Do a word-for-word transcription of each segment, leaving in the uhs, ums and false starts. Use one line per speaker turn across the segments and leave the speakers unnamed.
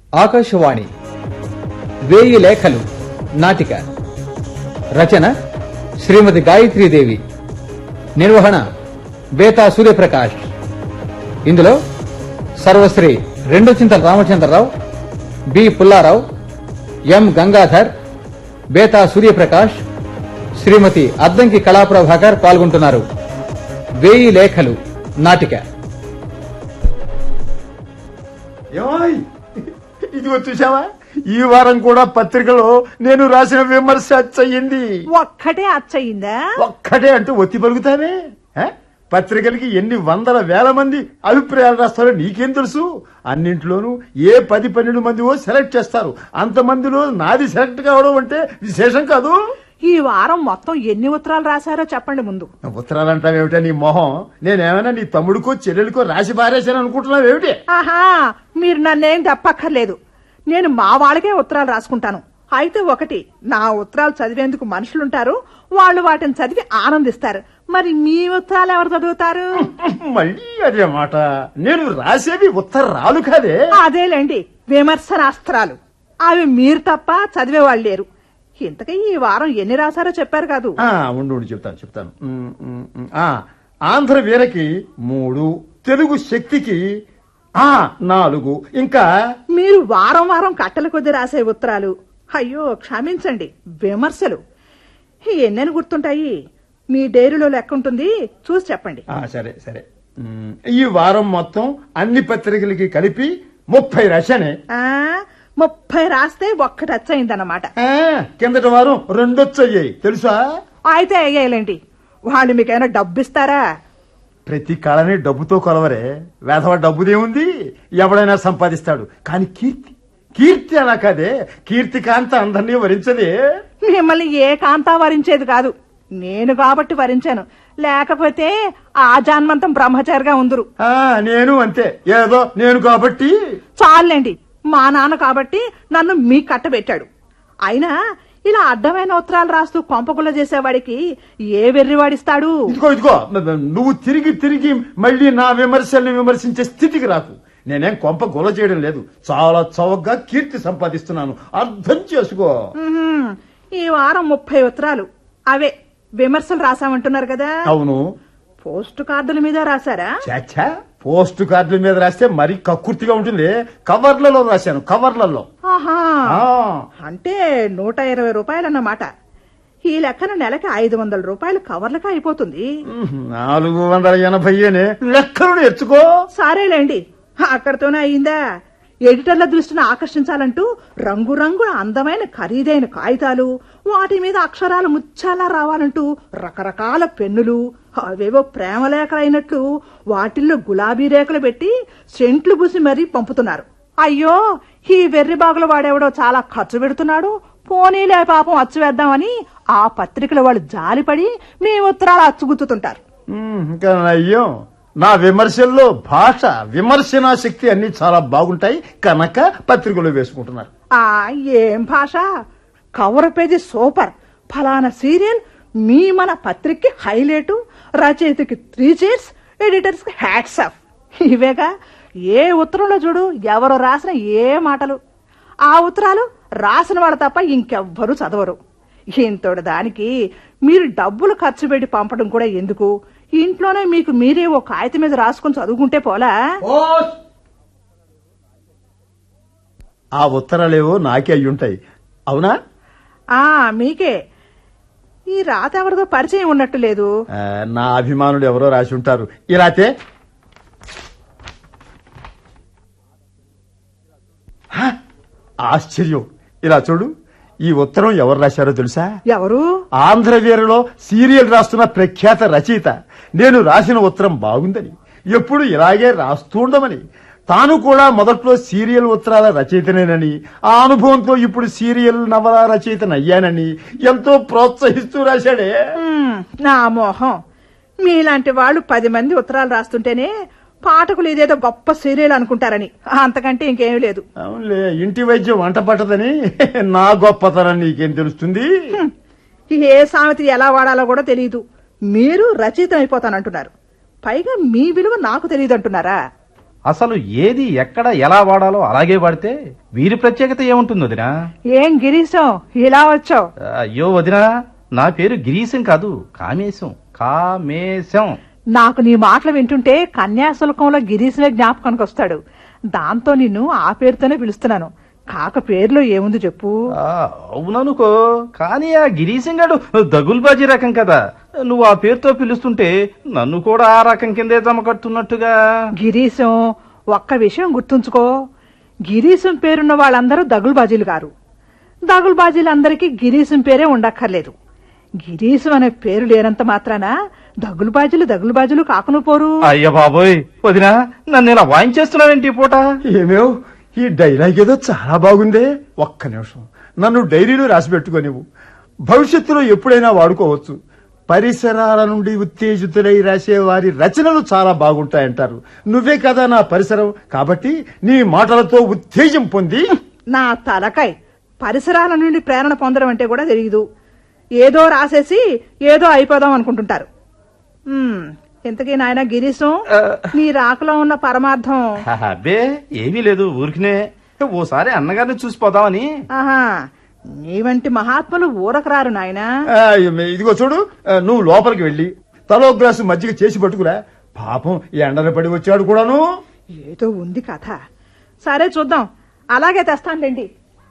ఆకాశవాణి వేయి లేఖలు నాటిక రచన శ్రీమతి గాయత్రీదేవి, నిర్వహణ బేతా సూర్యప్రకాష్. ఇందులో సర్వశ్రీ రెండు చింతల రామచంద్రరావు, బి పుల్లారావు, ఎం గంగాధర్, బేతా సూర్యప్రకాష్, శ్రీమతి అద్దంకి కళాప్రభాకర్ పాల్గొంటున్నారు. వేయి లేఖలు నాటిక.
ఇదిగో చూసావా, ఈ వారం కూడా పత్రికలో నేను రాసిన విమర్శ అచ్చయింది.
ఒక్కటే అచ్చయిందా?
ఒక్కటే అంటూ ఒత్తి పలుకుతానే. పత్రికలకి ఎన్ని వందల వేల మంది అభిప్రాయాలు రాస్తారో నీకేం తెలుసు? అన్నింటిలోనూ ఏ పది పన్నెండు మందివో సెలెక్ట్ చేస్తారు. అంతమందిలో నాది సెలెక్ట్ కావడం అంటే విశేషం కాదు.
ఈ వారం మొత్తం ఎన్ని ఉత్తరాలు రాశారో చెప్పండి ముందు.
ఉత్తరాలంటావేమిటా నీ మొహం? నేనేమైనా నీ తమ్ముడికో చెల్లెలికో రాసి పారేశాను అనుకుంటున్నావేమిటి?
ఆహా, మీరు నన్నేం తప్పక్కర్లేదు. నేను మా వాళ్ళకే ఉత్తరాలు రాసుకుంటాను. అయితే ఒకటి, నా ఉత్తరాలు చదివేందుకు మనుషులుంటారు, వాళ్ళు వాటిని చదివి ఆనందిస్తారు. మరి మీ ఉత్తరాలు ఎవరు చదువుతారు?
మళ్ళీ అదే మాట. నేను రాసేవి ఉత్తరాలు కాదే.
అదేలేండి, విమర్శనాస్త్రాలు. అవి మీరు తప్ప చదివేవాళ్ళు లేరు. ఇంతకీ ఈ వారం ఎన్ని రాశారో చెప్పారు కాదు?
ఉండు ఉండు చెప్తాను చెప్తాను ఆంధ్ర వీరకి మూడు, తెలుగు శక్తికి ఆ నాలుగు. ఇంకా
మీరు వారం వారం కట్టల కొద్ది రాసే ఉత్తరాలు, అయ్యో క్షమించండి, విమర్శలు ఎన్నెన్ని గుర్తుంటాయి? మీ డైరీలో లెక్క ఉంటుంది, చూసి చెప్పండి.
సరే సరే. ఈ వారం మొత్తం అన్ని పత్రికలకి కలిపి ముప్పై రాశానే.
ముప్పై రాస్తే ఒక్కటి వచ్చయిందన్నమాట.
కిందటి వారం రెండొచ్చయ్యాయి తెలుసా?
అయితే అయ్యాయిలేండి. వాళ్ళు మీకైనా డబ్బు ఇస్తారా?
ప్రతి కళని డబ్బుతో కొలవరే. వేధవ డబ్బుదేముంది, ఎవడైనా సంపాదిస్తాడు. కానీ కీర్తి కీర్తి అలా కాదే. కీర్తి కాంత అందరినీ వరించదే.
మిమ్మల్ని ఏ కాంతా వరించేది కాదు, నేను కాబట్టి వరించాను. లేకపోతే ఆ జన్మంతం బ్రహ్మచారిగా ఉందరు.
నేను అంతే, ఏదో నేను కాబట్టి.
చాలండి, మా నాన్న కాబట్టి నన్ను మీ కట్టబెట్టాడు. అయినా ఇలా అడ్డమైన ఉత్తరాలు రాస్తూ కొంపకుల చేసేవాడికి ఏ వెర్రివాడిస్తాడు?
ఇదిగో ఇదిగో నువ్వు తిరిగి తిరిగి మళ్ళీ నా విమర్శల్ని విమర్శించే స్థితికి రాకు. నేనేం కొంప గొల చేయడం లేదు, చాలా చౌకగా కీర్తి సంపాదిస్తున్నాను, అర్థం చేసుకో.
ఈ వారం ముప్పై ఉత్తరాలు అవే విమర్శలు రాసామంటున్నారు కదా?
అవును.
పోస్టు కార్డుల మీద రాశారా?
చాచా, పోస్టు కార్డుల మీద రాస్తే మరీ కక్కుర్తిగా ఉంటుంది. కవర్లలో రాశాను, కవర్లలో.
అంటే నూట ఇరవై రూపాయలన్నమాట. ఈ లెక్కన నెలకి ఐదు వందల రూపాయలు కవర్లకి అయిపోతుంది.
నాలుగు వందల ఎనభై లెక్కలు నేర్చుకో.
సరేలేండి, అక్కడితోనే అయిందా? ఎడిటర్ల దృష్టిని ఆకర్షించాలంటూ రంగురంగుల అందమైన ఖరీదైన కాగితాలు, వాటి మీద అక్షరాలు ముచ్చాలా రావాలంటూ రకరకాల పెన్నులు, అవేవో ప్రేమ లేఖలైనట్లు వాటిల్లో గులాబీ రేఖలు పెట్టి సెంట్లు పూసి మరీ పంపుతున్నారు. అయ్యో, ఈ వెర్రి బాగుల వాడెవడో చాలా ఖర్చు పెడుతున్నాడు, పోనీలే పాపం అచ్చు వేద్దామని ఆ పత్రికల వాళ్ళు జాలిపడి మీ ఉత్తరాలు అచ్చుగుతుంటారు.
అయ్యో, నా విమర్శల్లో భాష, విమర్శనా శక్తి అన్ని చాలా బాగుంటాయి కనుక పత్రికలో వేసుకుంటున్నారు.
ఆ ఏం భాష! కవర్ పేజీ సూపర్, ఫలానా సీరియల్ మీ మన పత్రికకి హైలైట్, రచయితకి త్రీ చైర్స్, ఎడిటర్స్ కి హ్యాట్స్ ఆఫ్. ఇవేగా ఏ ఉత్తరంలో చూడు ఎవరు రాసిన ఏ మాటలు. ఆ ఉత్తరాలు రాసిన వాళ్ళు తప్ప ఇంకెవ్వరూ చదవరు. ఇంతటి దానికి మీరు డబ్బులు ఖర్చు పెట్టి పంపడం కూడా ఎందుకు? ఇంట్లోనే మీకు మీరే ఓ కాగితం మీద రాసుకుని చదువుకుంటే పోలా?
ఆ ఉత్తరాలేవో నాకే అయ్యుంటాయి. అవునా?
ఆ మీకే. ఈ రాత ఎవరిదో పరిచయం ఉన్నట్టు లేదు.
నా అభిమానులు ఎవరో రాసి ఉంటారు. ఇలాతే ఆశ్చర్యం. ఇలా చూడు, ఈ ఉత్తరం ఎవరు రాశారో తెలుసా?
ఎవరు?
ఆంధ్రవీరలో సీరియల్ రాస్తున్న ప్రఖ్యాత రచయిత. నేను రాసిన ఉత్తరం బాగుందని, ఎప్పుడు ఇలాగే రాస్తుండమని, తాను కూడా మొదట్లో సీరియల్ ఉత్తరాల రచయితనేనని, ఆ అనుభవంతో ఇప్పుడు సీరియల్ నవల రచయితనయ్యానని ఎంతో ప్రోత్సహిస్తూ రాశాడే.
నా మోహం, మీలాంటి వాళ్ళు పది మంది ఉత్తరాలు రాస్తుంటేనే పాఠకులు ఇదేదో గొప్ప సీరియల్ అనుకుంటారని, అంతకంటే ఇంకేమీ లేదు.
అవునులే, ఇంటి వైద్యం వంట పట్టదని నా గొప్పతనం నీకేం తెలుస్తుంది?
ఏ సామెత ఎలా వాడాలో కూడా తెలియదు. మీరు రచయిత అయిపోతానంటున్నారు, పైగా మీ విలువ నాకు తెలియదు అంటున్నారా?
అసలు ఏది ఎక్కడ ఎలా వాడాలో అలాగే వాడితే వీరి ప్రత్యేకత ఏముంటుంది వదినా?
ఏం గిరీశం ఇలా వచ్చావు?
అయ్యో వదినా, నా పేరు గిరీశం కాదు, కామేశం. కామేశం.
నాకు నీ మాటలు వింటుంటే కన్యాశుల్కంలో గిరీశమే జ్ఞాపకానికి వస్తాడు. దాంతో నిన్ను ఆ పేరుతోనే పిలుస్తున్నాను. కాక పేరులో ఏముంది చెప్పు?
ఆ, అవుననుకో, కానీ ఆ గిరీశం గాడు దగుల్బాజీ రకం కదా. నువ్వు ఆ పేరుతో పిలుస్తుంటే నన్ను కూడా ఆ రకం కిందే జమకడుతున్నట్టుగా.
గిరీశం, ఒక్క విషయం గుర్తుంచుకో. గిరీశం పేరున్న వాళ్ళందరూ దగులుబాజీలు గారు. దగులుబాజీలందరికీ గిరీశం పేరే ఉండక్కర్లేదు. గిరీశం అనే పేరు లేనంత మాత్రాన దగులుబాజీలు దగులుబాజీలు కాకును పోరు.
అయ్య బాబోయ్ వదినా, నన్ను ఇలా వాయించేస్తున్నావేంటి పూట?
ఏమేవ్, ఈ డైలాగ్ ఏదో చాలా బాగుందే. ఒక్క నిమిషం నన్ను డైరీలో రాసి పెట్టుకోనివ్వు. భవిష్యత్తులో ఎప్పుడైనా వాడుకోవచ్చు. పరిసరాల నుండి ఉత్తేజితులై రాసే వారి రచనలు చాలా బాగుంటాయంటారు. నువ్వే కదా నా పరిసరం, కాబట్టి నీ మాటలతో ఉత్తేజం పొంది.
నా తలకాయ్, పరిసరాల నుండి ప్రేరణ పొందడం అంటే కూడా తెలియదు. ఏదో రాసేసి ఏదో అయిపోదాం అనుకుంటుంటారు. ఉమ్, ఇంతకీ నాయన గిరీశం, నీ రాకలో ఉన్న పరమార్థం?
అబ్బే ఏమీ లేదు, ఊరికినే ఓసారి అన్నగారిని చూసిపోదామని.
ఆహా, నీ వంటి మహాత్ములు ఊరకు రారు నాయనా.
ఆ, ఇదిగో చూడు, నువ్వు లోపలికి వెళ్ళి తలో గ్లాసు మజ్జిగ చేసి పట్టుకురా. పాపం ఎండన పడి వచ్చాడు కూడాను.
ఏదో ఉంది కథ. సరే చూద్దాం, అలాగే తెస్తానులేండి.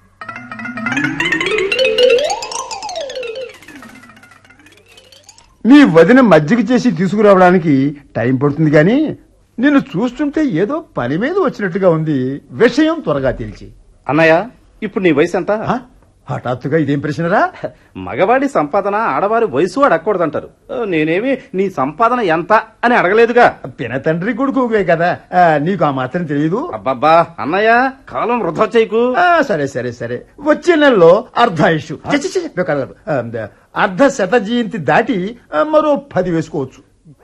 మీ వదిన మజ్జిగ చేసి తీసుకురావడానికి టైం పడుతుంది గాని నిన్ను చూస్తుంటే ఏదో పని మీద వచ్చినట్టుగా ఉంది. విషయం త్వరగా తెలిసి.
అన్నయ్య, ఇప్పుడు నీ వయసు ఎంత?
ఆ? హఠాత్తుగా ఇదేం ప్రశ్నరా?
మగవాడి సంపాదన ఆడవారి వయసు అడగకూడదంటారు. నేనేమి నీ సంపాదన ఎంత అని అడగలేదుగా.
పిన తండ్రి కొడుకువే కదా, ఆ, నీకు ఆ మాత్రం తెలియదు.
అబ్బబ్బా అన్నయ్య, కాలం వృధా చేయకు.
ఆ, సరే సరే సరే వచ్చే నెలలో అర్ధాయుషు ఛ, ఛ, ఛ, కాదు, ఆ, అర్ధ శత జయంతి దాటి ఆ, మరో పది వేసుకోవచ్చు.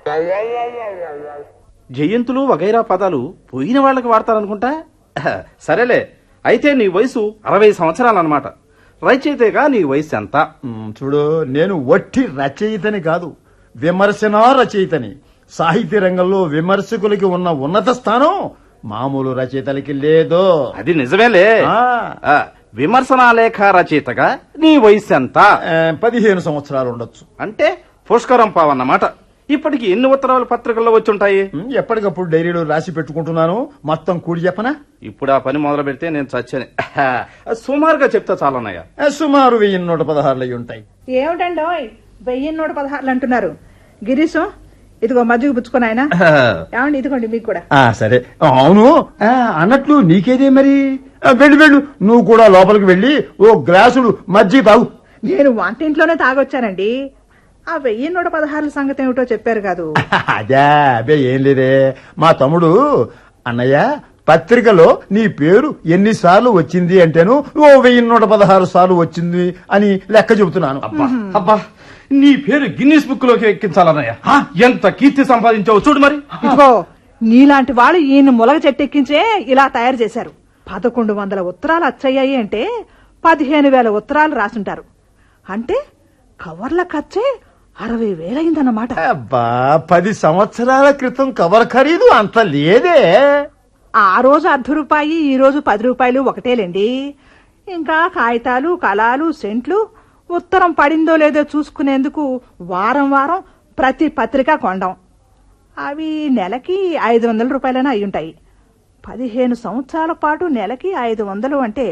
జయంతులు వగైరా పదాలు పోయిన వాళ్ళకి వాడతారనుకుంటా. సరేలే, అయితే నీ వయసు అరవై సంవత్సరాలన్నమాట. రచయితగా నీ వయసు ఎంత?
ఉమ్, చూడు, నేను వట్టి రచయితని కాదు, విమర్శనా రచయితని. సాహిత్య రంగంలో విమర్శకులకి ఉన్న ఉన్నత స్థానం మామూలు రచయితలకి లేదు.
అది నిజమేలే.
ఆ.
ఆ, విమర్శనా లేఖ రచయితగా నీ వయసు ఎంత?
ఆ, పదిహేను సంవత్సరాలు ఉండొచ్చు.
అంటే పుష్కరం పావన్నమాట. ఇప్పటికి ఎన్ని ఉత్తరాలు పత్రికల్లో వచ్చుంటాయి?
ఉమ్, ఎప్పటికప్పుడు డైరీలో రాసి పెట్టుకుంటున్నాను. మొత్తం కూడి చెప్పనా?
ఇప్పుడు ఆ పని మొదలు పెడితే నేను చచ్చాను. సుమారుగా చెప్తా చాలన్నయ్య.
ఆ, సుమారు వెయ్యి నూట పదహారులు అయి ఉంటాయి.
ఏమిటండో వెయ్యి నూట పదహారులు అంటున్నారు? గిరీశం, ఇదిగో మజ్జిగ పుచ్చుకొని ఆయన. ఏమండి, ఇదిగోండి మీకు కూడా.
ఆ సరే, అవును, ఆ, అన్నట్లు నీకేదే మరి. ఆ, వెళ్ళు వెళ్ళు, నువ్వు కూడా లోపలికి వెళ్ళి ఓ గ్లాసుడు మజ్జిగ తాగు.
నేను వంటింట్లోనే తాగొచ్చానండి. ఆ వెయ్యి నూట పదహారుల సంగతి ఏమిటో చెప్పారు కాదు.
అదే, అబ్బే ఏం లేదే. మా తమ్ముడు అన్నయ్య పత్రికలో నీ పేరు ఎన్నిసార్లు వచ్చింది అంటేను ఓ వెయ్యి నూట పదహారు సార్లు వచ్చింది అని లెక్క చెబుతున్నాను.
అబ్బా అబ్బా, నీ పేరు గిన్నీస్ బుక్ లోకి ఎక్కించాలన్నయ్య. ఎంత కీర్తి సంపాదించావు చూడు మరి.
ఇదిగో, నీలాంటి వాళ్ళు ఈయన ములగ చెట్టెక్కించే ఇలా తయారు చేశారు. పదకొండు వందల ఉత్తరాలు అచ్చయ్యాయి అంటే పదిహేను వేల ఉత్తరాలు రాసుంటారు. అంటే కవర్ల ఖర్చే అరవై వేలైందన్నమాట.
అబ్బా, పది సంవత్సరాల క్రితం కవర్ ఖరీదు అంత లేదే.
ఆ రోజు అర్ధ రూపాయి, ఈ రోజు పది రూపాయలు ఒకటేలేండి. ఇంకా కాగితాలు, కలాలు, సెంట్లు, ఉత్తరం పడిందో లేదో చూసుకునేందుకు వారం వారం ప్రతి పత్రిక కొండం. అవి నెలకి ఐదు వందల రూపాయలైనా అయ్యుంటాయి. పదిహేను సంవత్సరాల పాటు నెలకి ఐదు వందలు అంటే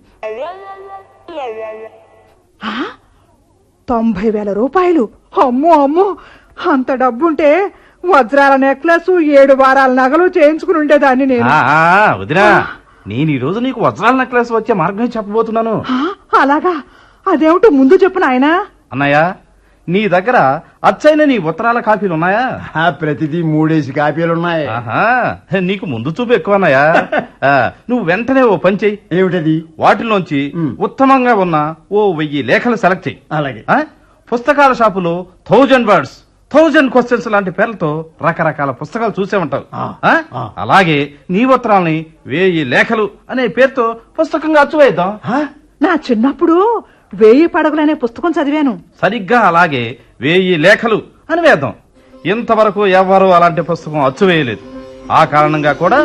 ఆ? తొంభై వేల రూపాయలు. అమ్మో అమ్మో, అంత డబ్బుంటే వజ్రాల నెక్లెస్, ఏడు వారాల నగలు చేయించుకుని ఉండేదాన్ని నేను.
ఆ, ఆ, వదినా, నేను ఈ రోజు నీకు వజ్రాల నెక్లెస్ వచ్చే మార్గం చెప్పబోతున్నాను.
ఆ, అలాగా? అదేమిటో ముందు చెప్పు నాయనా.
అన్నయ్య, నీ దగ్గర అచ్చైన నీ ఉత్తరాల కాపీలు ఉన్నాయా?
ఆ, ప్రతిదీ మూడేసి కాపీలున్నాయి.
ఆహా, నీకు ముందు చూపు ఎక్కువ అన్నయ్య. ఆ, నువ్వు వెంటనే ఓ పని చెయ్యి.
ఏమిటది?
వాటిలోంచి
మ్.
ఉత్తమంగా ఉన్న ఓ వెయ్యి లేఖలు సెలెక్ట్ చెయ్యి.
అలాగే.
ఆ? పుస్తకాల షాపులో థౌజండ్ వర్డ్స్, థౌజండ్ క్వశ్చన్స్ లాంటి పేర్లతో రకరకాల పుస్తకాలు చూసే ఉంటావు.
ఆ,
ఆ?
ఆ.
అలాగే నీ ఉత్తరాల్ని వేయి లేఖలు అనే పేరుతో పుస్తకంగా అచ్చువేద్దాం.
ఆ?
నా చిన్నప్పుడు వేయి పడగలనే పుస్తకం చదివాను.
సరిగ్గా అలాగే వేయి లేఖలు అని వేద్దాం. ఇంతవరకు ఎవ్వరూ అలాంటి పుస్తకం అచ్చువేయలేదు. ఆ కారణంగా కూడా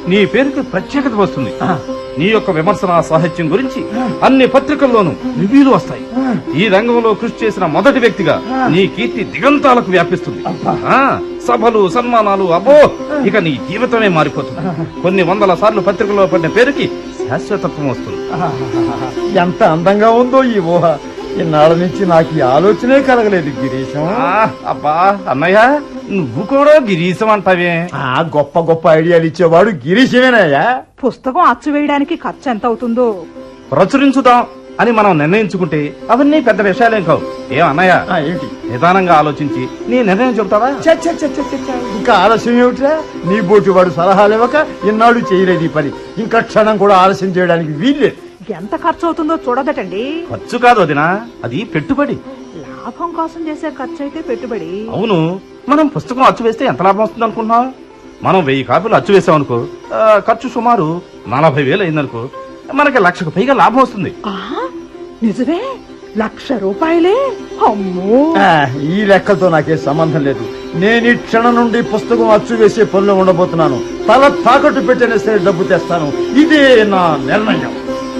నీ పేరుకి ప్రత్యేకత వస్తుంది. నీ యొక్క విమర్శన సాహిత్యం గురించి అన్ని పత్రికల్లోనూ రివ్యూలు వస్తాయి. ఈ రంగంలో కృషి చేసిన మొదటి వ్యక్తిగా నీ కీర్తి దిగంతాలకు వ్యాపిస్తుంది. ఆ సభలు, సన్మానాలు, అబ్బో ఇక నీ జీవితమే మారిపోతుంది. కొన్ని వందల సార్లు పత్రికల్లో పడిన పేరుకి శాశ్వతత్వం వస్తుంది.
ఎంత అందంగా ఉందో ఈ ఊహ. ఇన్నాళ్ళ నుంచి నాకు ఈ ఆలోచనే కలగలేదు గిరీశం.
ఆ, అబ్బా అన్నయ్య, నువ్వు కూడా గిరీశం అంటావే?
ఆ గొప్ప గొప్ప ఐడియాలు ఇచ్చేవాడు గిరీశమేనాయా?
పుస్తకం అచ్చు వేయడానికి ఖర్చు ఎంత అవుతుందో
ప్రచురించుదాం అని మనం నిర్ణయించుకుంటే అవన్నీ పెద్ద విషయాలేం కావు. ఏం అన్నయ్య,
ఆ, ఏంటి
నిదానంగా ఆలోచించి నీ నిర్ణయం చెబుతావా?
చ్చ, చ్చ, చ్చ, చ్చ, చ్చ. ఇంకా ఆలస్యం ఏమిట్రా? నీ బోటి వాడు సలహాలు ఇవ్వక ఇన్నాళ్ళు చేయలేదు ఈ పని. ఇంకా క్షణం కూడా ఆలస్యం చేయడానికి వీల్లేదు.
ఎంత ఖర్చు అవుతుందో చూడదటండి.
ఖర్చు కాదు వదినా, అది పెట్టుబడి.
లాభం కోసం చేసే ఖర్చు అయితే పెట్టుబడి.
అవును, మనం పుస్తకం అచ్చు వేస్తే ఎంత లాభం వస్తుంది అనుకుంటున్నావు? మనం వెయ్యి కాపీలు అచ్చు వేసామనుకో, ఆ, ఖర్చు సుమారు నలభై వేలు అయిందనుకో, మనకి లక్షకు పైగా లాభం వస్తుంది.
ఆ నిజమే, లక్ష రూపాయలే. అమ్మో,
ఆ, ఈ లెక్కలతో నాకే సంబంధం లేదు. నేను ఈ క్షణం నుండి పుస్తకం అచ్చు వేసే పనిలో ఉండబోతున్నాను. తల తాకట్టు పెట్టిన సరే డబ్బు తెస్తాను. ఇదే నా నిర్ణయం.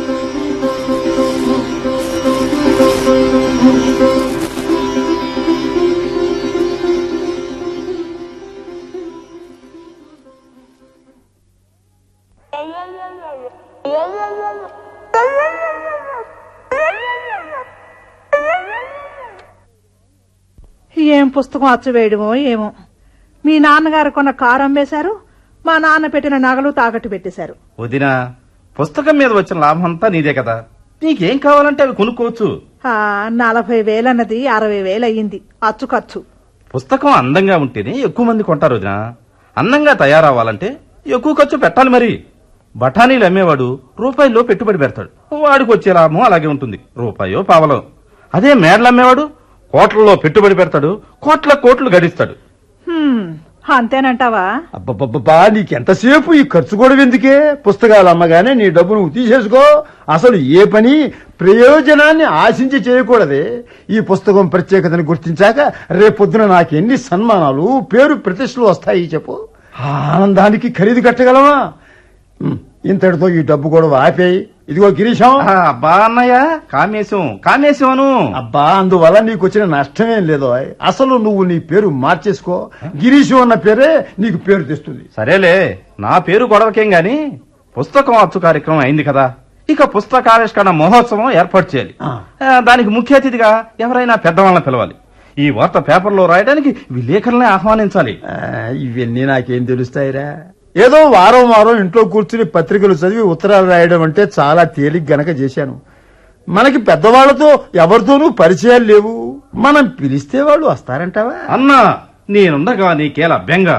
ఏం పుస్తకం అచ్చు వేయడమో ఏమో. మీ నాన్నగారు కొన్న కారు అమ్మేశారు, మా నాన్న పెట్టిన నగలు తాకట్టు పెట్టేశారు.
వదినా, పుస్తకం మీద వచ్చిన లాభం అంతా నీదే కదా, నీకేం కావాలంటే అవి కొనుక్కోవచ్చు.
ఆ నలభై వేలన్నది అరవై వేలు అయ్యింది అచ్చు ఖర్చు.
పుస్తకం అందంగా ఉంటేనే ఎక్కువ మంది కొంటారు వదినా. అందంగా తయారవ్వాలంటే ఎక్కువ ఖర్చు పెట్టాలి. మరి బఠానీలు అమ్మేవాడు రూపాయిలో పెట్టుబడి పెడతాడు, వాడికి వచ్చే లాభం అలాగే ఉంటుంది, రూపాయో పావలో. అదే మేడలు అమ్మేవాడు కోట్లలో పెట్టుబడి పెడతాడు, కోట్ల కోట్లు గడిస్తాడు.
హ్మ్, అంతేనంటావా?
అబ్బబ్బబ్బా, నీకెంతసేపు ఈ ఖర్చు కూడా ఎందుకే? పుస్తకాలు అమ్మగానే నీ డబ్బు నువ్వు తీసేసుకో. అసలు ఏ పని ప్రయోజనాన్ని ఆశించి చేయకూడదే. ఈ పుస్తకం ప్రత్యేకతను గుర్తించాక రేపొద్దున నాకెన్ని సన్మానాలు, పేరు ప్రతిష్టలు వస్తాయి చెప్పు. ఆ ఆనందానికి ఖరీదు కట్టగలవా? ఉమ్, ఇంతటితో ఈ డబ్బు కూడా ఆపేయి. ఇదిగో గిరీశం.
ఆ, అబ్బా అన్నయ్య, కామేశం కామేశం.
అబ్బా, అందువల్ల నీకు వచ్చిన నష్టమేం లేదో. అసలు నువ్వు నీ పేరు మార్చేసుకో. గిరీశం అన్న పేరే నీకు పేరు తెస్తుంది.
సరేలే, నా పేరు గొడవకేం గాని పుస్తకం అచ్చు కార్యక్రమం అయింది కదా, ఇక పుస్తకావిష్కరణ మహోత్సవం ఏర్పాటు చేయాలి.
ఆ.
ఆ, దానికి ముఖ్య అతిథిగా ఎవరైనా పెద్దవాళ్ళని పిలవాలి. ఈ వార్త పేపర్లో రాయడానికి విలేకరుల్ని ఆహ్వానించాలి.
ఆ, ఇవన్నీ నాకేం తెలుస్తాయిరా? ఏదో వారం వారం ఇంట్లో కూర్చుని పత్రికలు చదివి ఉత్తరాలు రాయడం అంటే చాలా తేలిక గనక చేశాను. మనకి పెద్దవాళ్లతో ఎవరితోనూ పరిచయాలు లేవు. మనం పిలిస్తే వాళ్ళు వస్తారంటావా?
అన్నా, నేనుండగా నీకేలా బెంగ?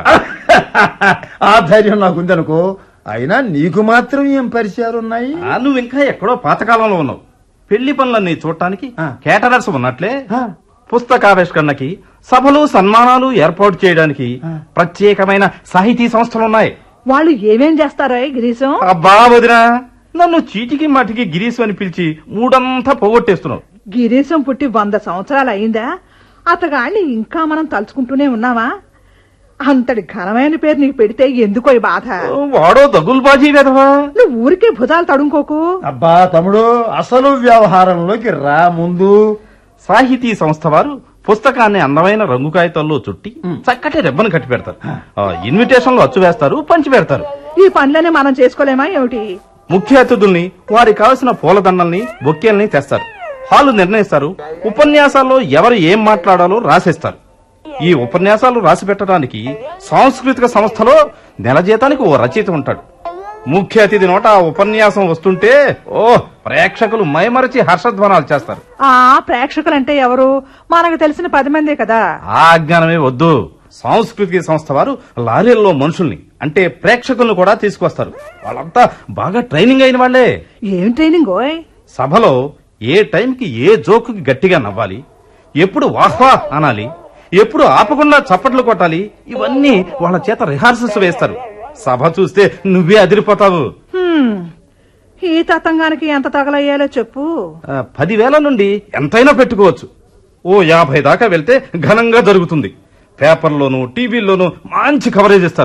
ఆ ధైర్యం నాకుందనుకో. అయినా నీకు మాత్రం ఏం పరిచయాలున్నాయి?
ఆ, నువ్వు ఇంకా ఎక్కడో పాతకాలంలో ఉన్నావు. పెళ్లి పనులన్నీ చూడటానికి
ఆ.
కేటరర్స్ ఉన్నట్లే
ఆ.
పుస్తకావిష్కరణకి, సభలు, సన్మానాలు ఏర్పాటు చేయడానికి ప్రత్యేకమైన సాహితీ సంస్థలున్నాయి.
వాళ్ళు ఏమేం చేస్తారో గిరీశం?
అబ్బా వదినా, నన్ను చీటికి మాటికి గిరీశం అని పిలిచి మూడంతా పోగొట్టేస్తున్నావు.
గిరీశం పుట్టి వంద సంవత్సరాలు అయిందా? అతగాన్ని ఇంకా మనం తలుచుకుంటూనే ఉన్నావా? అంతటి ఘనమైన పేరు నీకు పెడితే ఎందుకో ఈ బాధ?
వాడో దగుల్బాజీ వెధవా.
నువ్వు ఊరికే భుజాలు తడుముకోకు.
అబ్బా తమ్ముడు, అసలు వ్యవహారంలోకి రా ముందు.
సాహితీ సంస్థ వారు పుస్తకాన్ని అందమైన రంగు కాగితాల్లో చుట్టి చక్కటి రెబ్బను కట్టి పెడతారు. ఆ, ఇన్విటేషన్లు అచ్చు వేస్తారు, పంచి పెడతారు.
ఈ పనులనే మనం చేసుకోలేమా ఏమిటి?
ముఖ్య అతిథుల్ని, వారికి కావలసిన పూలదండల్ని, బొక్కేల్ని తెస్తారు. హాలు నిర్ణయిస్తారు. ఉపన్యాసాల్లో ఎవరు ఏం మాట్లాడాలో రాసేస్తారు. ఈ ఉపన్యాసాలు రాసి పెట్టడానికి సాంస్కృతిక సంస్థలో నెల జీతానికి ఓ రచయిత ఉంటాడు. ముఖ్య అతిథి నోట ఆ ఉపన్యాసం వస్తుంటే ఓ ప్రేక్షకులు మైమరచి హర్షధ్వానాలు చేస్తారు.
ఆ ప్రేక్షకులంటే ఎవరు? మనకు తెలిసిన పది మందే కదా.
ఆ అజ్ఞానమే వద్దు. సాంస్కృతిక సంస్థ వారు లారీల్లో మనుషుల్ని, అంటే ప్రేక్షకులను కూడా తీసుకొస్తారు. వాళ్ళంతా బాగా ట్రైనింగ్ అయిన వాళ్లే.
ఏం ట్రైనింగ్ ఓయ్?
సభలో ఏ టైంకి ఏ జోకుకి గట్టిగా నవ్వాలి, ఎప్పుడు వాహ్వా అనాలి, ఎప్పుడు ఆపకుండా చప్పట్లు కొట్టాలి, ఇవన్నీ వాళ్ళ చేత రిహార్సల్స్ వేస్తారు. సభ చూస్తే నువ్వే అదిరిపోతావు.
హ్మ్, ఈ తతంగానికి ఎంత తగలయ్యాలో చెప్పు.
ఆ, పదివేల నుండి ఎంతైనా పెట్టుకోవచ్చు. ఓ యాభై దాకా వెళ్తే ఘనంగా జరుగుతుంది. పేపర్లోనూ టీవీల్లోనూ మంచి కవరేజ్ ఇస్తారు.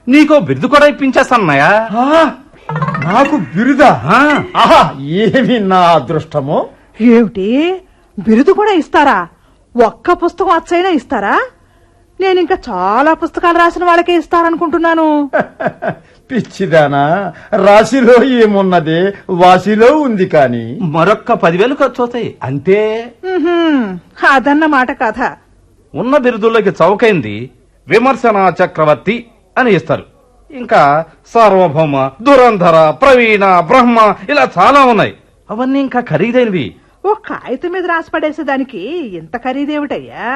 నీకో బిరుదు కూడా ఇప్పించేస్తానన్నయ్యా.
ఆ, నాకు బిరుదా? ఆహా, ఏమి నా అదృష్టమో.
ఏమిటి బిరుదు కూడా ఇస్తారా? ఒక్క పుస్తకం అచ్చైనా ఇస్తారా? నేను ఇంకా చాలా పుస్తకాలు రాసిన వాళ్ళకే ఇస్తారనుకుంటున్నాను.
పిచ్చిదానా, రాశిలో ఏమున్నదే వాసిలో ఉంది కాని.
మరొక్క పదివేలు ఖర్చు అవుతాయి అంతే.
ఉహుం, అదన్నమాట కథ.
ఉన్న బిరుదుల్లోకి చౌకైంది విమర్శన చక్రవర్తి అని ఇస్తారు. ఇంకా సార్వభౌమ, దురంధర, ప్రవీణ, బ్రహ్మ ఇలా చాలా ఉన్నాయి. అవన్నీ ఇంకా ఖరీదైనవి.
ఓ కాగితం మీద రాసి పడేసేదానికి ఇంత ఖరీదేమిటయ్యా?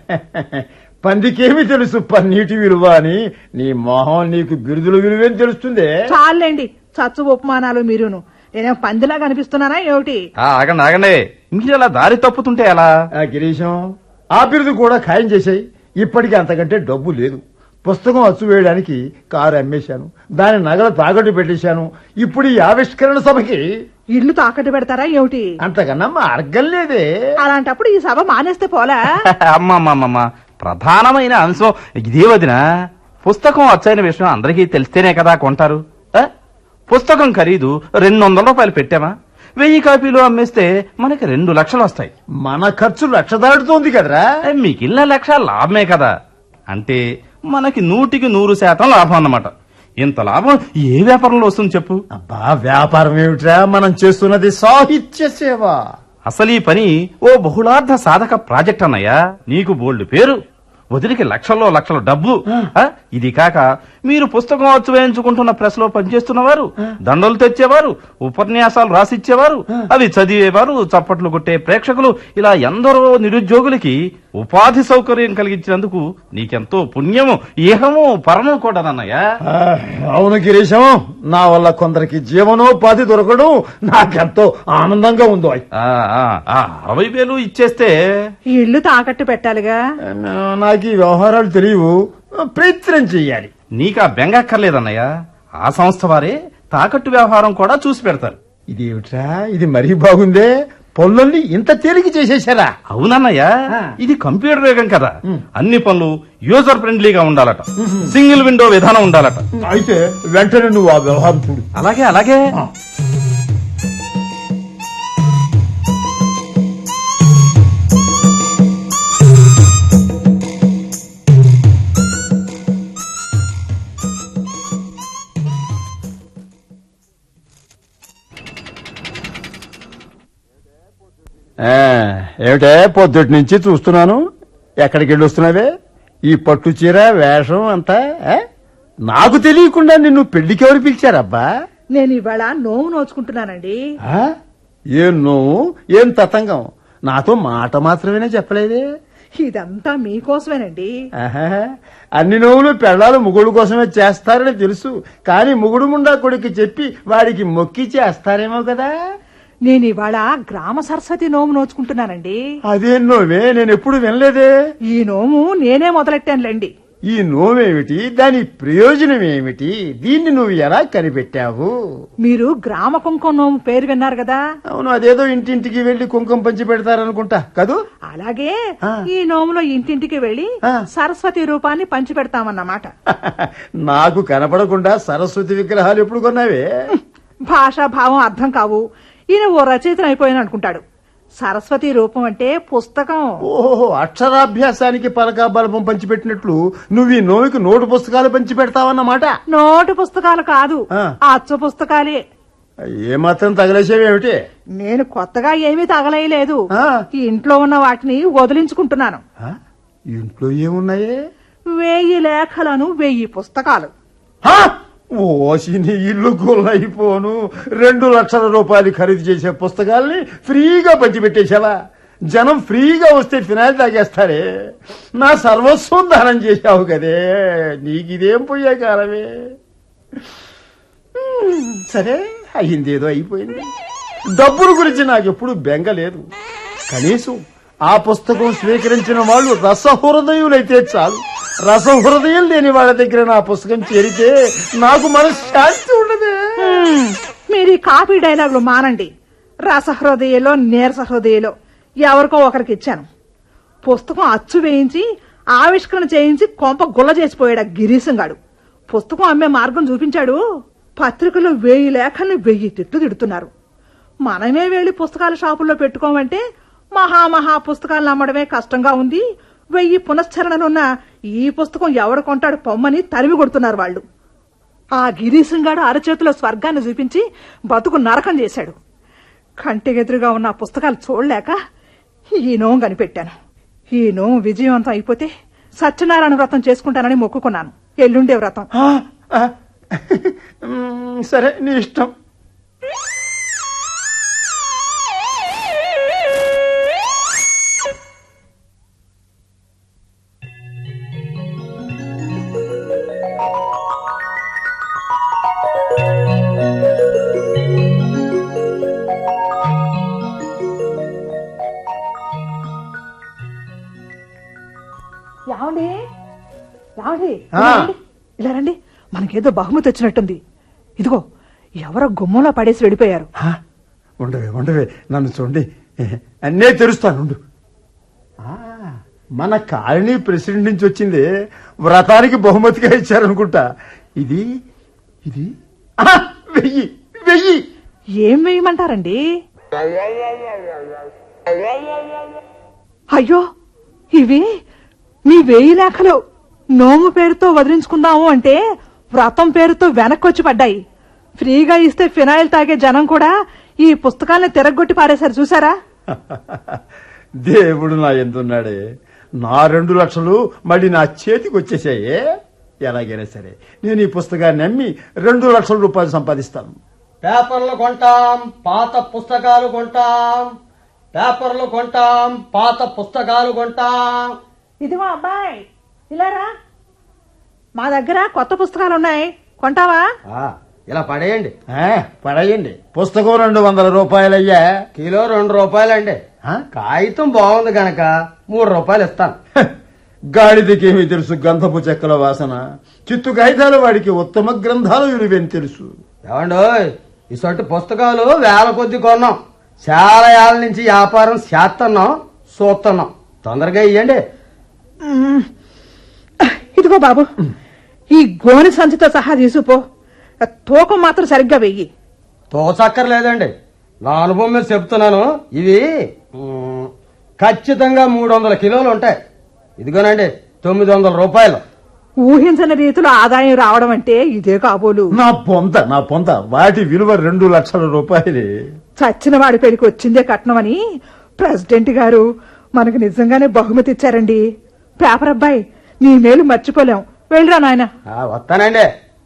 పందికేమి తెలుసు పన్నీటి విలువ అని. నీ మొహం, నీకు బిరుదుల విలువేం తెలుస్తుంది?
చాలండి చచ్చు ఉపమానాలు మీరును. నేనేం పందిలా కనిపిస్తున్నానా ఏమిటి?
ఆ, ఆగండి ఆగండి, మీరు అలా దారి తప్పుతుంటే ఎలా?
ఆ గిరీశం, ఆ బిరుదు కూడా ఖాయం చేశాయి. ఇప్పటికి అంతకంటే డబ్బు లేదు. పుస్తకం అచ్చు వేయడానికి కారు అమ్మేశాను, దాని నగలు తాకట్టు పెట్టేశాను. ఇప్పుడు ఈ ఆవిష్కరణ సభకి
ఇల్లు తాకట్టు పెడతారా ఏమిటి?
అంతకన్నా మార్గం లేదే.
అలాంటప్పుడు ఈ సభ మానేస్తే పోలా?
అమ్మమ్మమ్మమ్మ, ప్రధానమైన అంశం ఇదే వదిన. పుస్తకం వచ్చైన విషయం అందరికీ తెలిస్తేనే కదా కొంటారు. ఆ? పుస్తకం ఖరీదు రెండు వందల రూపాయలు పెట్టామా, వెయ్యి కాపీలు అమ్మేస్తే మనకి రెండు లక్షలు వస్తాయి.
మన ఖర్చు లక్ష దాటుతోంది కదరా.
మిగిలిన లక్ష లాభమే కదా. అంటే మనకి నూటికి నూరు శాతం లాభం అన్నమాట. ఇంత లాభం ఏ వ్యాపారంలో వస్తుంది చెప్పు?
అబ్బా, వ్యాపారం ఏమిట్రా, మనం చేస్తున్నది సాహిత్య సేవ.
అసలు ఈ పని ఓ బహుళార్థ సాధక ప్రాజెక్ట్ అన్నయ్యా. నీకు బోల్డ్ పేరు, వదిలికి లక్షల్లో లక్షల డబ్బు. ఆ, ఇది కాక మీరు పుస్తకం అచ్చు వేయించుకుంటున్న ప్రెస్ లో పనిచేస్తున్నవారు, దండలు తెచ్చేవారు, ఉపన్యాసాలు రాసిచ్చేవారు, అవి చదివేవారు, చప్పట్లు కొట్టే ప్రేక్షకులు, ఇలా ఎందరో నిరుద్యోగులకి ఉపాధి సౌకర్యం కలిగించినందుకు నీకెంతో పుణ్యము, ఏహము, పరము కూడానన్నయ్యా.
ఆ, అవును గిరీశం, నా వల్ల కొందరికి జీవనోపాధి దొరకడం నాకెంతో ఆనందంగా ఉందో.
ఆ, ఆ, ఆ, అరవై వేలు ఇచ్చేస్తే
ఈ ఇల్లు తాకట్టు పెట్టాలిగా.
నాకు ఈ వ్యవహారాలు తెలియవు, ప్రయత్నం చెయ్యాలి.
నీకా బెంగక్కర్లేదన్నయ్య. ఆ సంస్థ వారే తాకట్టు వ్యవహారం కూడా చూసి పెడతారు.
ఇదేమిట్రా, ఇది మరీ బాగుందే. పనులన్నీ ఇంత తేలిక చేసేశారా?
అవునన్నయ్య, ఇది కంప్యూటర్ యుగం కదా. అన్ని పనులు యూజర్ ఫ్రెండ్లీగా ఉండాలట, సింగిల్ విండో విధానం ఉండాలట.
అయితే వెంటనే నువ్వు ఆ వ్యవహారం చూడు.
అలాగే అలాగే.
ఏమిటే పొద్దుటి నుంచి చూస్తున్నాను, ఎక్కడికి వెళ్ళి వస్తున్నావే? ఈ పట్టు చీర వేషం అంతా ఆ? నాకు తెలియకుండా నిన్ను పెళ్లికి ఎవరు పిలిచారబ్బా?
నేను ఇవాళ నోము నోచుకుంటున్నానండి.
ఆ? ఏం నువ్వు, ఏం తతంగం, నాతో మాట మాత్రమేనే చెప్పలేదే?
ఇదంతా మీకోసమేనండి.
ఆహా, అన్ని నోవులు పెళ్ళాలు ముగుడు కోసమే చేస్తారని తెలుసు, కానీ ముగుడు ముండా కొడుకు చెప్పి వాడికి మొక్కి చేస్తారేమో కదా.
నేను ఇవాళ గ్రామ సరస్వతి నోము నోచుకుంటున్నానండి.
అదేం నోవే, నేను ఎప్పుడు వినలేదే.
ఈ నోము నేనే మొదలెట్టానులేండి.
ఈ నోమేమిటి, దాని ప్రయోజనం ఏమిటి, దీన్ని నువ్వు ఎలా కనిపెట్టావు?
మీరు గ్రామ కుంకుమ నోము పేరు విన్నారు కదా.
అవును, అదేదో ఇంటింటికి వెళ్లి కుంకుమ పంచి పెడతారనుకుంటా కదూ.
అలాగే
ఆ.
ఈ నోములో ఇంటింటికి వెళ్లి
ఆ.
సరస్వతి రూపాన్ని పంచి పెడతామన్నమాట.
నాకు కనపడకుండా సరస్వతి విగ్రహాలు ఎప్పుడు కొన్నావే?
భాషా భావం అర్థం కావు. ఈయన ఓ రచయితను అయిపోయిన అనుకుంటాడు. సరస్వతి రూపం అంటే పుస్తకం.
ఓహో, అక్షరాభ్యాసానికి పలకా బలపం పంచిపెట్టినట్లు నువ్వు ఈ నోవికి నోటు పుస్తకాలు పంచి పెడతావన్నమాట.
నోటు పుస్తకాలు కాదు,
ఆ.
అచ్చు పుస్తకాలే.
ఏమాత్రం తగలేసేవేమిటి?
నేను కొత్తగా ఏమీ తగలేయలేదు.
ఆ.
ఈ ఇంట్లో ఉన్న వాటిని వదిలించుకుంటున్నాను.
ఆ? ఇంట్లో ఏమున్నాయే?
వెయ్యి లేఖలను, వెయ్యి పుస్తకాలు.
ఆ? ఓసిని ఇల్లు గొల్లైపోను. రెండు లక్షల రూపాయలు ఖరీదు చేసే పుస్తకాల్ని ఫ్రీగా పంచిపెట్టేశావా? జనం ఫ్రీగా వస్తే ఫినాయిల్ తాగేస్తారే. నా సర్వస్వం దానం చేశావు కదే, నీకిదేం పోయే కాలమే. సరే, అయిందేదో అయిపోయింది. డబ్బుల గురించి నాకెప్పుడు బెంగ లేదు. కనీసం ఆ పుస్తకం స్వీకరించిన వాళ్ళు రసహృదయులైతే చాలు. రసహృదయం లేని వాళ్ళ దగ్గర నా పుస్తకం చేరితే నాకు మనశ్శాంతి ఉండదే.
హ్మ్, మీరు ఈ కాపీ డైలాగులు మానండి. రసహృదయలో నీరస హృదయలో ఎవరికో ఒకరికి ఇచ్చాను. పుస్తకం అచ్చు వేయించి ఆవిష్కరణ చేయించి కొంప గుల్ల చేసిపోయాడు గిరీశంగాడు. పుస్తకం అమ్మే మార్గం చూపించాడు. పత్రికలో వెయ్యి లేఖల్ని వెయ్యి తిట్లు తిడుతున్నారు. మనమే వెళ్లి పుస్తకాల షాపుల్లో పెట్టుకోమంటే మహామహా పుస్తకాలను అమ్మడమే కష్టంగా ఉంది. వెయ్యి పునశ్చరణలున్న ఈ పుస్తకం ఎవడు కొంటాడు పొమ్మని తరిమి కొడుతున్నారు వాళ్ళు. ఆ గిరీశంగాడు అరచేతిలో స్వర్గాన్ని చూపించి బతుకు నరకం చేశాడు. కంటికెదురుగా ఉన్న పుస్తకాలు చూడలేక ఈ నోం కనిపెట్టాను. ఈ నోం విజయవంతం అయిపోతే సత్యనారాయణ వ్రతం చేసుకుంటానని మొక్కుకున్నాను. ఎల్లుండే వ్రతం.
ఆ, ఆ, మ్, సరే నీ ఇష్టం.
యావండి యావండి
ఆ.
ఇలా రండి. ఇలా రండి, మనకేదో బహుమతి వచ్చినట్టుంది. ఇదిగో ఎవరో గుమ్మంలో పడేసి వెళ్ళిపోయారు.
ఆ, ఉండవే ఉండవే నన్ను చూడండి, అన్నే తెరుస్తాను ఉండు. ఆ, మన కాలనీ ప్రెసిడెంట్ నుంచి వచ్చింది, వ్రతానికి బహుమతిగా ఇచ్చారనుకుంటా. ఇది ఇది ఆ, వెయ్యి వెయ్యి.
ఏం వేయమంటారండి? అయ్యో, ఇవి మీ వేయి లేఖలు. నోము పేరుతో వదిలించుకుందాము అంటే వ్రతం పేరుతో వెనక్కొచ్చి పడ్డాయి. ఫ్రీగా ఇస్తే ఫినాయిల్ తాగే జనం కూడా ఈ పుస్తకాల్ని తిరగొట్టి పారేశారు చూసారా?
దేవుడు నా ఎందున్నాడే, నా రెండు లక్షలు మళ్ళీ నా చేతికి వచ్చేసాయే. ఎలాగైనా సరే నేను ఈ పుస్తకాన్ని అమ్మి రెండు లక్షల రూపాయలు సంపాదిస్తాను.
పేపర్లు కొంటాం, పాత పుస్తకాలు కొంటాం. పేపర్లు కొంటాం, పాత పుస్తకాలు కొంటాం.
ఇదిగో అబ్బాయి, ఇలారా, మా దగ్గర కొత్త పుస్తకాలు ఉన్నాయి, కొంటావా?
ఆ, ఇలా పడేయండి.
ఆ, పడేయండి. పుస్తకం రెండు వందల రూపాయలయ్యా.
కిలో రెండు రూపాయలండి.
ఆ?
కాగితం బాగుంది గనక మూడు రూపాయలు ఇస్తాను.
హ, గాడిదకేమీ తెలుసు గంధపు చెక్కల వాసన. చిత్తు కాగితాలు వాడికి ఉత్తమ గ్రంథాలు విలువేని తెలుసు.
ఏమండోయ్, ఇసొంటి పుస్తకాలు వేల కొద్ది కొన్నాం. చాలా ఏళ్ళ నుంచి వ్యాపారం చేస్తున్నాం, చూస్తున్నాం. తొందరగా ఇయ్యండి.
మ్మ్. ఇదిగో బాబు, ఈ గోని సంచితో సహా తీసుకుపో. తూకం మాత్రం సరిగ్గా వెయ్యి.
తోచక్కర్లేదండి, నా అనుభవం మీద చెప్తున్నాను. ఇవి మ్, ఖచ్చితంగా మూడు వందల కిలోలు ఉంటాయి. ఇదిగోనండి తొమ్మిది వందల రూపాయలు.
ఊహించని రీతిలో ఆదాయం రావడం అంటే ఇదే కాబోలు.
నా పొంత నా పొంత వాటి విలువ రెండు లక్షల రూపాయలే.
చచ్చిన వాడి పెళ్లికి వచ్చిందే కట్నమని ప్రెసిడెంట్ గారు మనకు నిజంగానే బహుమతి ఇచ్చారండి. పేపర్ అబ్బాయి, నీ మేలు మర్చిపోలేం. వెళ్ళరా నాయన.
ఆ, వస్తానండి.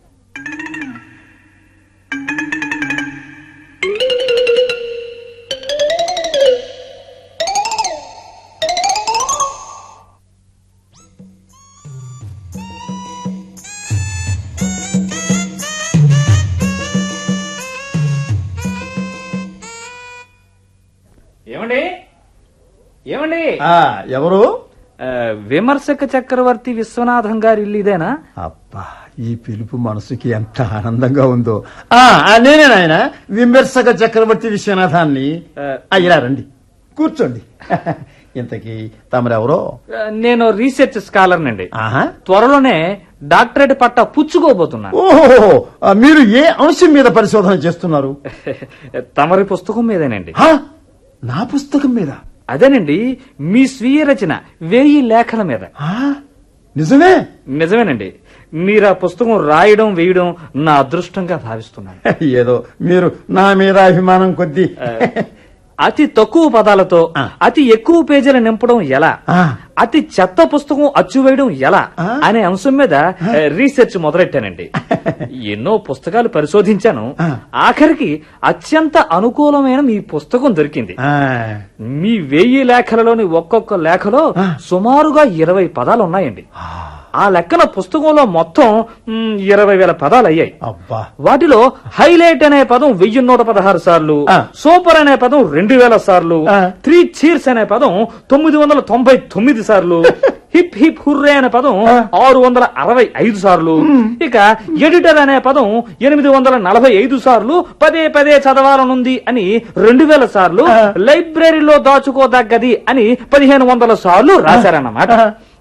ఏమండి ఏమండి
ఆ, ఎవరు?
ఆ, విమర్శక చక్రవర్తి విశ్వనాథం గారి ఇల్లు ఇదేనా?
అబ్బా, ఈ పిలుపు మనసుకి ఎంత ఆనందంగా ఉందో. ఆ ఆ, నేనే నాయన విమర్శక చక్రవర్తి విశ్వనాథాన్ని. ఆ, ఇలా రండి, కూర్చోండి. ఇంతకీ తమరెవరో?
ఆ, నేను రీసెర్చ్ స్కాలర్ నండి.
ఆహా.
త్వరలోనే డాక్టరేట్ పట్టా పుచ్చుకోబోతున్నాను.
ఓహో, మీరు ఏ అంశం మీద పరిశోధన చేస్తున్నారు?
తమరి పుస్తకం మీదేనండి.
ఆ, నా పుస్తకం మీద?
అదేనండి, మీ స్వీయ రచన వెయ్యి లేఖల మీద.
ఆ, నిజమే?
నిజమేనండి. మీరు ఆ పుస్తకం రాయడం వేయడం నా అదృష్టంగా భావిస్తున్నాను.
ఏదో మీరు నా మీద అభిమానం కొద్దీ.
అతి తక్కువ పదాలతో
ఆ.
అతి ఎక్కువ పేజీలు నింపడం ఎలా,
ఆ.
అతి చెత్త పుస్తకం అచ్చువేయడం ఎలా
ఆ.
అనే అంశం మీద ఆ, రీసెర్చ్ మొదలెట్టానండి. ఎన్నో పుస్తకాలు పరిశోధించాను.
ఆ.
ఆఖరికి అత్యంత అనుకూలమైన మీ పుస్తకం దొరికింది.
ఆ,
మీ వెయ్యి లేఖలలోని ఒక్కొక్క లేఖలో
ఆ.
సుమారుగా ఇరవై పదాలు ఉన్నాయండి. ఆ లెక్కన పుస్తకంలో మొత్తం మ్, ఇరవై వేల పదాలు అయ్యాయి.
అబ్బా.
వాటిలో హైలైట్ అనే పదం వెయ్యి నూట పదహారు సార్లు,
ఆ.
సూపర్ అనే పదం రెండు వేల సార్లు,
ఆ.
త్రీ చీర్స్ అనే పదం తొమ్మిది వందల తొంభై తొమ్మిది సార్లు, హిప్ హిప్ హుర్రే అనే పదం
ఆ.
ఆరు వందల అరవై ఐదు సార్లు, ఇక ఎడిటర్ అనే పదం ఎనిమిది వందల నలభై ఐదు సార్లు పదే పదే చదవాలనుంది అని రెండు వేల సార్లు,
ఆ.
లైబ్రరీలో దాచుకోదగ్గది అని పదిహేను వందల సార్లు రాశారన్నమాట.
ఆ.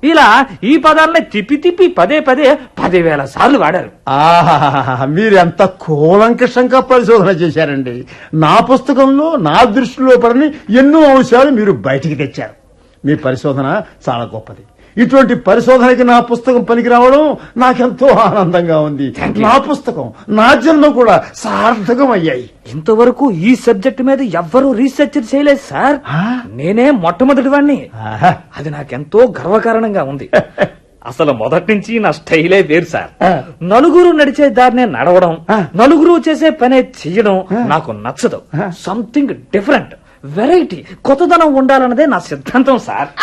ఇలా ఈ పదాలనే తిప్పి తిప్పి పదే పదే పదివేల సార్లు వాడారు.
ఆహా, మీరు ఎంత కూలంకషంగా పరిశోధన చేశారండి. నా పుస్తకంలో నా దృష్టిలో పడని ఎన్నో అంశాలు మీరు బయటికి తెచ్చారు. మీ పరిశోధన చాలా గొప్పది. ఇటువంటి పరిశోధనకి నా పుస్తకం పనికి రావడం నాకెంతో ఆనందంగా ఉంది. నా పుస్తకం నా జన్మ కూడా సార్థకం అయ్యాయి.
ఇంతవరకు ఈ సబ్జెక్ట్ మీద ఎవ్వరూ రీసెర్చ్ చేయలేదు సార్. నేనే మొట్టమొదటి వాణ్ణి.
ఆహా.
అది నాకెంతో గర్వకారణంగా ఉంది. అసలు మొదటి నుంచి నా స్టైలే వేరు సార్. నలుగురు నడిచే దారినే నడవడం, నలుగురు చేసే పనే చెయ్యడం నాకు నచ్చదు. సంథింగ్ డిఫరెంట్, వెరైటీ, కొత్తదనం ఉండాలన్నదే నా సిద్ధాంతం సార్.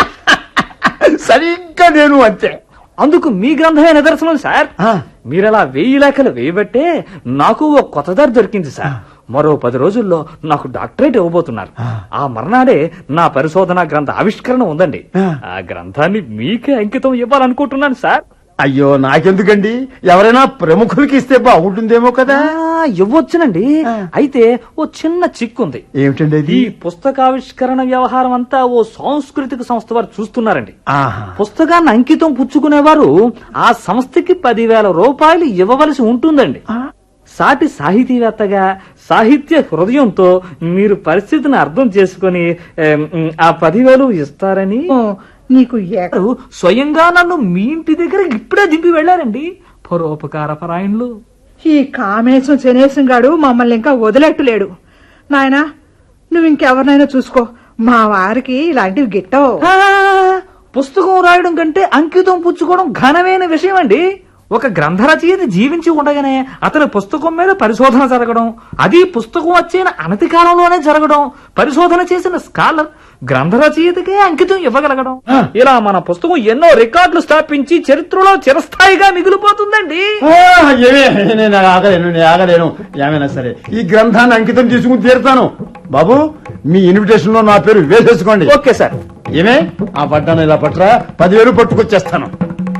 సరిగ్గా నేను అంతే.
అందుకు మీ గ్రంథమే నిదర్శనం సార్. మీరలా వెయ్యి లేఖలు వేయబట్టే నాకు ఓ కొత్త దారి దొరికింది సార్. మరో పది రోజుల్లో నాకు డాక్టరేట్ ఇవ్వబోతున్నారు. ఆ మర్నాడే నా పరిశోధన గ్రంథ ఆవిష్కరణ ఉందండి. ఆ గ్రంథాన్ని మీకే అంకితం ఇవ్వాలనుకుంటున్నాను సార్.
అయ్యో, నాకెందుకండి? ఎవరైనా ప్రముఖులకి ఇస్తే బాగుంటుందేమో కదా.
ఆ, ఇవ్వొచ్చునండి. అయితే ఓ చిన్న చిక్కుంది.
ఏమిటండి అది?
ఈ పుస్తకావిష్కరణ వ్యవహారం అంతా ఓ సాంస్కృతిక సంస్థ వారు చూస్తున్నారండి.
ఆహా.
పుస్తకాన్ని అంకితం పుచ్చుకునేవారు ఆ సంస్థకి పదివేల రూపాయలు ఇవ్వవలసి ఉంటుందండి. సాటి సాహితీవేత్తగా సాహిత్య హృదయంతో మీరు పరిస్థితిని అర్థం చేసుకుని ఏం, ఆ పదివేలు ఇస్తారని
ఓ, నీకు ఏ-
వారు స్వయంగా నన్ను మీ ఇంటి దగ్గర ఇప్పుడే దింపి వెళ్లారండి. పరోపకార పరాయణులు.
ఈ కామేశం శనేశం గాడు మమ్మల్ని ఇంకా వదిలేట్టులేడు. నాయనా, నువ్వు ఇంకెవరినైనా చూసుకో, మా వారికి ఇలాంటివి గిట్టవు.
ఆ, పుస్తకం రాయడం కంటే అంకితం పుచ్చుకోవడం ఘనమైన విషయం అండి. ఒక గ్రంథ రచయిత జీవించి ఉండగానే అతని పుస్తకం మీద పరిశోధన జరగడం, అది పుస్తకం వచ్చిన అనతి కాలంలోనే జరగడం, పరిశోధన చేసిన స్కాలర్ గ్రంథ రచయితకే అంకితం ఇవ్వగలగడం, ఇలా మన పుస్తకం ఎన్నో రికార్డులు స్థాపించి చరిత్రలో చిరస్థాయిగా మిగిలిపోతుందండి.
ఆ, ఏమే, నేను ఆగలేను నేను ఆగలేను ఏమైనా సరే ఈ గ్రంథాన్ని అంకితం చేసుకుని తీరుతాను. బాబు, మీ ఇన్విటేషన్ లో నా పేరు వేసేసుకోండి.
Okay sir.
ఏమే, ఆ పట్టాను ఇలా పట్టరా, పదివేలు పట్టుకొచ్చేస్తాను.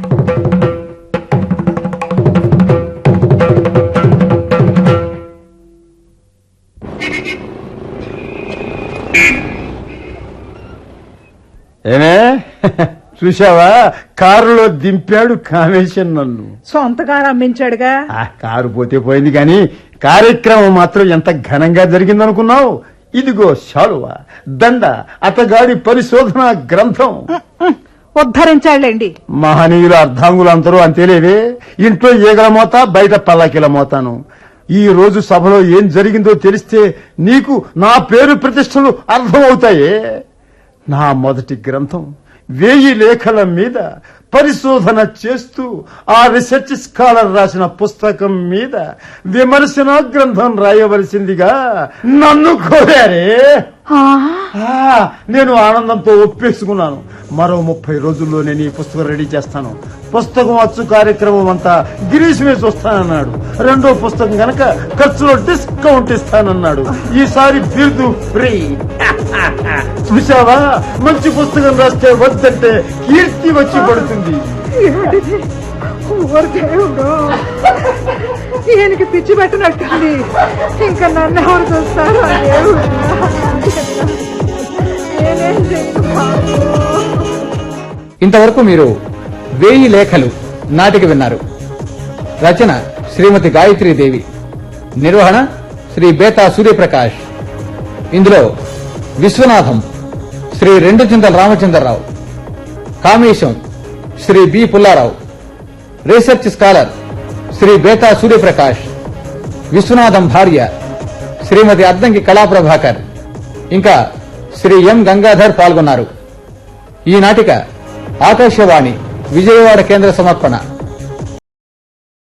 ఏమే, చూసావా, కారులో దింపాడు కామేశన్ నన్ను.
సొంతగా అమ్మించాడుగా.
ఆ కారు పోతే పోయింది కానీ కార్యక్రమం మాత్రం ఎంత ఘనంగా జరిగిందనుకున్నావు? ఇదిగో శాలువా, దండ, అతగాడి పరిశోధన గ్రంథం.
ఉద్ధరించాడులేండి.
మహనీయుల అర్ధాంగులందరూ అంతేలేవే. ఇంట్లో ఈగల మోత, బయట పల్లకిల మోతాను. ఈ రోజు సభలో ఏం జరిగిందో తెలిస్తే నీకు నా పేరు ప్రతిష్టలు అర్థమవుతాయే. నా మొదటి గ్రంథం వెయ్యి లేఖల మీద పరిశోధన చేస్తూ ఆ రీసెర్చ్ స్కాలర్ రాసిన పుస్తకం మీద విమర్శన గ్రంథం రాయవలసిందిగా నన్ను కోరారే. ఆ, నేను ఆనందంతో ఒప్పేసుకున్నాను. మరో ముప్పై రోజుల్లో నేను ఈ పుస్తకం రెడీ చేస్తాను. పుస్తకం అచ్చు కార్యక్రమం అంతా గిరీష్ మీద చూస్తానన్నాడు. రెండో పుస్తకం గనక ఖర్చులో డిస్కౌంట్ ఇస్తానన్నాడు. ఈసారి బిరుదు ఫ్రీ. చూసావా, మంచి పుస్తకం రాస్తే వద్దంటే కీర్తి వచ్చి పడుతుంది.
ఏమిటిది? ఓరి దేవుడు, ఈయనకి పిచ్చి పెట్టినట్టుంది. ఇంకా నన్ను ఎవరు చూస్తారు? ఆ దేవుడా, నేనేం చేయను బాబు.
ఇంతవరకు మీరు వేయి లేఖలు నాటిక విన్నారు. రచన శ్రీమతి గాయత్రీదేవి, నిర్వహణ శ్రీ బేతా సూర్యప్రకాష్. ఇందులో Viswanatham Sri Rendu Chintala Ramachandrarao, Kamesam Sri B Pullarao, research scholar Sri Betha Suryaprakash, Viswanatham భార్య శ్రీమతి అద్దంకి కళాప్రభాకర్, ఇంకా శ్రీ ఎం గంగాధర్ పాల్గొన్నారు. ఈ నాటిక ఆకాశవాణి విజయవాడ కేంద్ర సమర్పణ.